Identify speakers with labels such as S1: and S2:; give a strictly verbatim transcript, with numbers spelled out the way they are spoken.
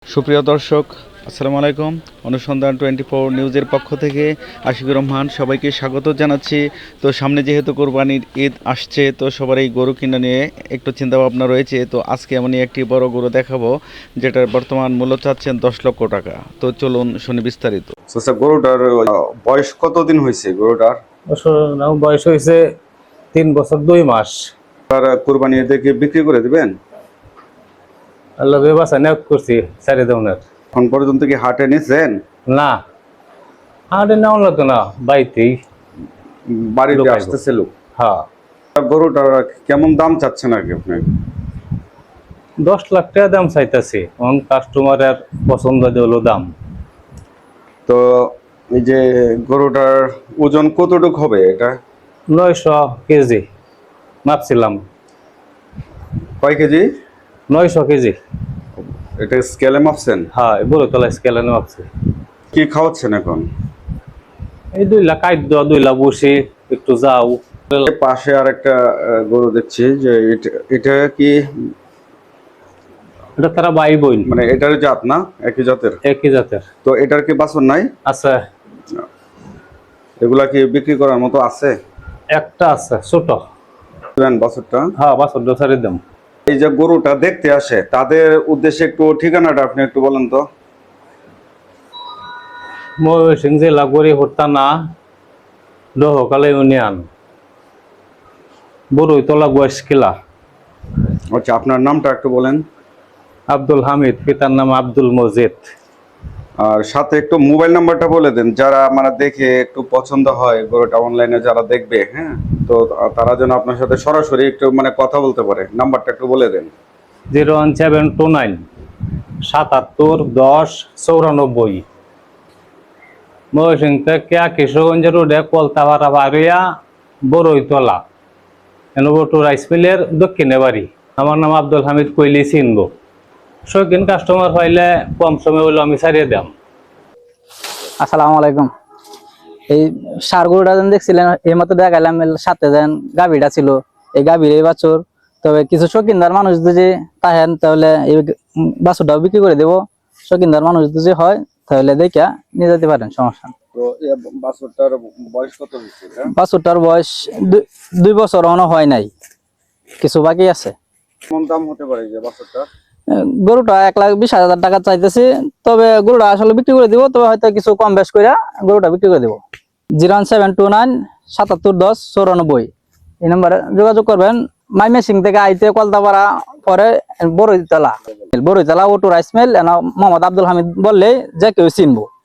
S1: সুপ্রিয় দর্শক, আসসালামু আলাইকুম। অনুসন্ধান টোয়েন্টি ফোর নিউজের পক্ষ থেকে আশিকুর রহমান সবাইকে স্বাগত জানাচ্ছি। তো সামনে যেহেতু কোরবানির ঈদ আসছে, তো সবারই গরু কিনা নিয়ে একটু চিন্তাভাবনা রয়েছে। তো আজকে আমি একটি বড় গরু দেখাবো, যেটার বর্তমান মূল্য চাচ্ছেন দশ লক্ষ টাকা। তো চলুন শুনি বিস্তারিত।
S2: আচ্ছা, গরুটার বয়স কতদিন হয়েছে? গরুটার
S3: বয়স হয়েছে তিন বছর দুই মাস।
S2: আর কোরবানি দেখে বিক্রি করে দিবেন?
S3: আল্লাহ বাসা নিয়োগ করছি সারি দৌনের।
S2: এখন পর্যন্ত কি হাটে নিয়েছেন?
S3: না, হাটে নেওয়া লাগতো না, বাড়িতেই
S2: বাড়িতে
S3: লোক
S2: আসতেছে লোক।
S3: হ্যাঁ,
S2: গরুটার কেমন দাম চাচ্ছেন আর কি আপনি?
S3: দশ লাখ টাকা দাম চাইতেছি। এখন কাস্টমারের পছন্দ হলো দাম।
S2: তো এই যে গরুটার ওজন কতটুকু হবে? এটা
S3: নয়শো কেজি মাপছিলাম।
S2: কয় কেজি?
S3: নয়শো কেজি।
S2: এটা স্কেলে মাপছেন?
S3: হ্যাঁ, বড় তলা স্কেলে মাপছি।
S2: কি খাওয়াচ্ছেন এখন?
S3: এই দুই লাখ খাদ্য, দুই লাখ বসি, একটু যাও।
S2: পাশে আর একটা গরু দেখছি যে এটা- এটা কি
S3: এটা তারা বাই বইন,
S2: মানে এটার জাত না? একই জাতের?
S3: একই জাতের।
S2: তো এটার কি বাছুর নাই?
S3: আছে,
S2: এগুলা কি বিক্রি করার মতো আছে?
S3: একটা আছে ছোট।
S2: বাছুরটা?
S3: হ্যাঁ, বাছর দোসারি দাম।
S2: এই যে গরুটা দেখতে আসে, তাদের উদ্দেশ্যে একটু ঠিকানাটা আপনি একটু বলেন তো।
S3: ময়মনসিংহ জেলা গড়িহর থানা, দহকালা ইউনিয়ন, বড়ইতলা গোয়াস কিলা।
S2: আচ্ছা, আপনার নামটা একটু বলেন।
S3: আব্দুল হামিদ, পিতার নাম আব্দুল মজিদ।
S2: আর সাথে একটু মোবাইল নাম্বারটা বলে দেন, যারা মানে দেখে একটু পছন্দ হয় গরুটা অনলাইনে যারা দেখবে, হ্যাঁ, তো তারা যেন আপনার সাথে সরাসরি একটু মানে কথা বলতে পারে। নাম্বারটা একটু বলে দেন।
S3: Zero one seven two nine সাতাত্তর দশ চৌরানব্বই। ময়মনসিংহ থেকে কিশোরগঞ্জ রোডে কলতাপাড়া বাড়িয়া বড়ইতলা এনবটু রাইস মিলের দক্ষিণে বাড়ি। আমার নাম আব্দুল হামিদ, কইলি চিনবো। শৌখিন কাস্টমার পাইলে কম সময় হইলে আমি ছাড়িয়ে দাম।
S4: আসসালামু আলাইকুম। এই সার গরুটা যেন দেখছিলেন, এই মতো দেখাইলাম, সাথে যেন গাভীটা ছিল, এই গাভীর এই বাছুর। তবে কিছু শৌখিনদার মানুষ যদি তাহেন, তাহলে এই বাছুরটাও বিক্রি করে দেবো। শৌখিনদার মানুষ যদি হয়, তাহলে দেখা নিয়ে যেতে পারেন, সমস্যা নেই।
S2: তো এই বাছুরটার বয়স কত হয়েছে?
S4: বাছুরটার বয়স দুই বছর এখনো হয় নাই, কিছু বাকি আছে।
S2: কেমন দাম হতে পারে যে বাছুরটা?
S4: গরুটা এক লাখ বিশ হাজার টাকা চাইতেছি। তবে গরুটা আসলে বিক্রি করে দিব, তবে হয়তো কিছু কম বেশ করে গরুটা বিক্রি করে দিব। Zero one seven two nine সাতাত্তর দশ চৌরানব্বই, এই নম্বরে যোগাযোগ করবেন। মাইমেসিং থেকে আইতে কলতাপাড়া, পরে Boroitola, Boroitola auto rice mill, Mohammad Abdul Hamid বললে যে কেউ চিনবো।